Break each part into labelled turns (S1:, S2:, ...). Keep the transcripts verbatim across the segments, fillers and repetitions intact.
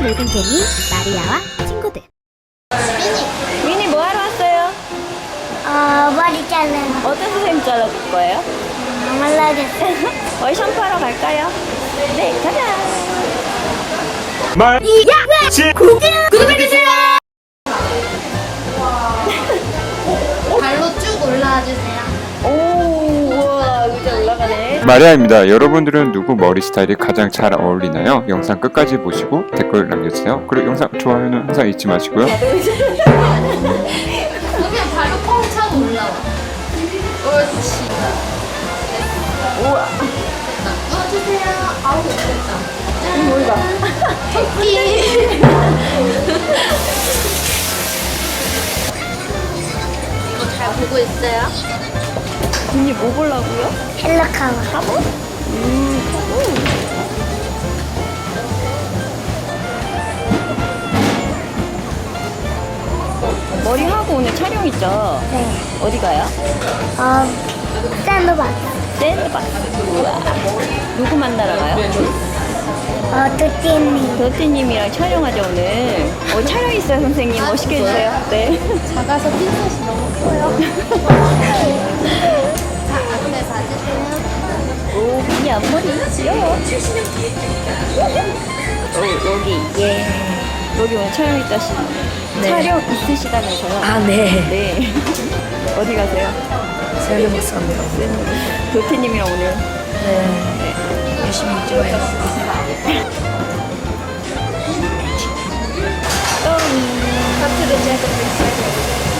S1: 놀던 개미 마리아와 친구들.
S2: 미니 뭐 하러 왔어요?
S1: 어, 머리 자르는
S2: 어떤 선생님 잘라줄 거예요?
S1: 몰라겠어요.
S2: 어이 샴푸하러 갈까요? 네, 가자.
S3: 말
S1: 야! 구독해주세요! 발로 쭉 올라와 주세요.
S2: 오, 우와, 의자 올라가네.
S3: 마리아입니다. 여러분들은 누구 머리 스타일이 가장 잘 어울리나요? 영상 끝까지 보시고 댓글 남겨주세요. 그리고 영상 좋아요는 항상 잊지 마시고요.
S1: 그러면 발로 뻥 차고 올라와. 옳지.
S2: 우와.
S1: 됐다. 누워주세요. 아우, 됐다. 짠.
S2: 뭘까?
S1: 토끼. 이거 잘 보고 있어요?
S2: 미니 뭐 보려고요?
S1: 헬로카와.
S2: 화보? 음, 화보. 머리 하고 오늘 촬영 있죠?
S1: 네.
S2: 어디 가요?
S1: 어, 샌드박스.
S2: 샌드박스. 우와. 누구 만나러 가요?
S1: 어, 두띠님.
S2: 도티님이랑 촬영하죠 오늘. 어, 촬영 있어요 선생님. 멋있게 해주세요. 네.
S1: 작아서 핀셋이 너무 커요. 자, 앞에 봐주세요.
S2: 오, 미니 앞머리 귀여워. 오, 여기 예. 여기 오늘 촬영 있다시.
S4: 네.
S2: 촬영 있으시다면서요?
S4: 아, 네.
S2: 네. 어디 가세요?
S4: 샌드박스 갑니다.
S2: 도티님이랑 오늘.
S4: 네. 열심히 찍어요.
S1: 하트를 자르고 있어요.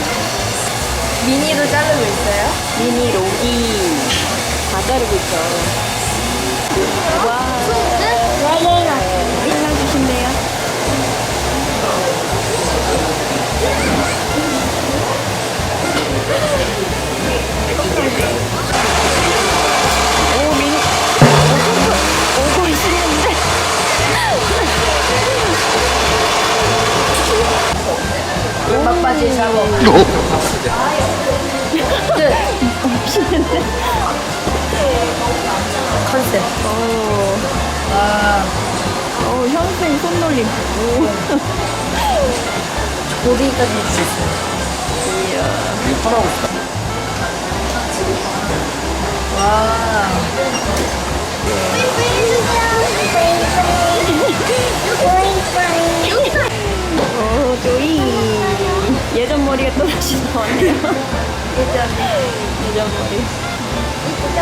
S1: 미니도 자르고 있어요?
S2: 미니 로기 다 자르고 있죠. 와. 잘라주신대요. 오, 미니. 오고 있으는데.
S4: 막바지 작업.
S2: 없이는데.
S4: 컨셉.
S2: 오.
S4: 와.
S2: 어, 현생 손놀림. 오.
S4: 고데기까지 해주셨어요.
S2: 이야.
S4: 와.
S2: 오, 조이. 예전 머리가 또 다시 나왔네요. 예전, 예전 머리. 이쁘죠?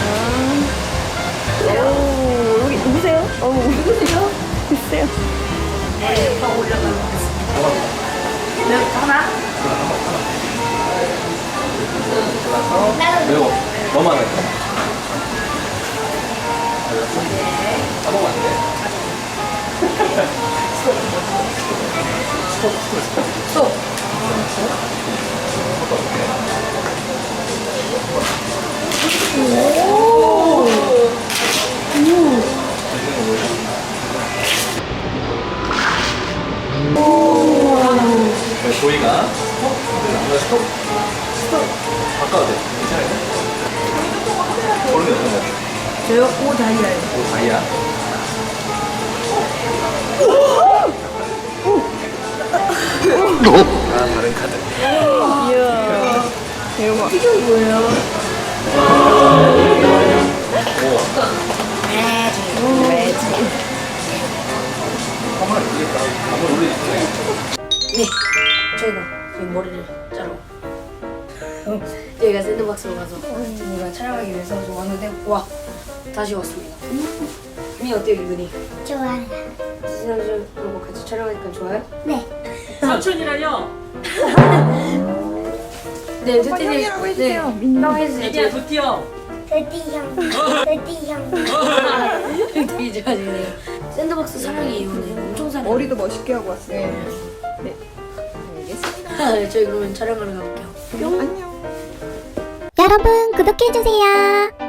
S2: 아. 오, 여기 누구세요? 어, 누구세요? 글쎄요.
S4: 머리 더 올려가는 네, 하나?
S5: 매워. 너무 많아요. 까먹으면 안 돼.
S4: 또.
S5: 네, 조이가 스톱. 네, 스톱. 스톱. 바꿔도 돼. 괜찮아요. 얼음이 어떤 거?
S4: 저요? 오, 다이아요.
S5: 오, 다이아. 아, 다른 카드.
S2: 이야. 대박.
S4: 이게 뭐예요?
S5: 오.
S2: 매직.
S5: 한번 이기겠다. 한번 올려주세요.
S4: 네. 저희가 저희 머리를 자르고. 저희가 샌드박스로 가서 저희가 촬영하기 위해서 좀 왔는데, 와. 다시 왔습니다. 미 어때요, 기분이?
S1: 좋아요.
S4: 지난주하고 같이 촬영하니까 좋아요?
S1: 네.
S6: 삼촌이라뇨?
S4: 네, 두띠님.
S2: 형이라고 해주세요.
S4: 네, 민망 해주세요.
S6: 애기야 두띠 형.
S1: 두띠 형. 두띠 형.
S4: 되게 좋아지네요. 샌드박스 사랑이에요, 오늘. 엄청 사랑해요.
S2: 머리도 멋있게 하고 왔어요.
S4: 네.
S2: 네. 알겠습니다.
S4: 네, 저희 그러면 촬영하러 가볼게요.
S2: 안녕.
S1: 여러분, 구독해주세요.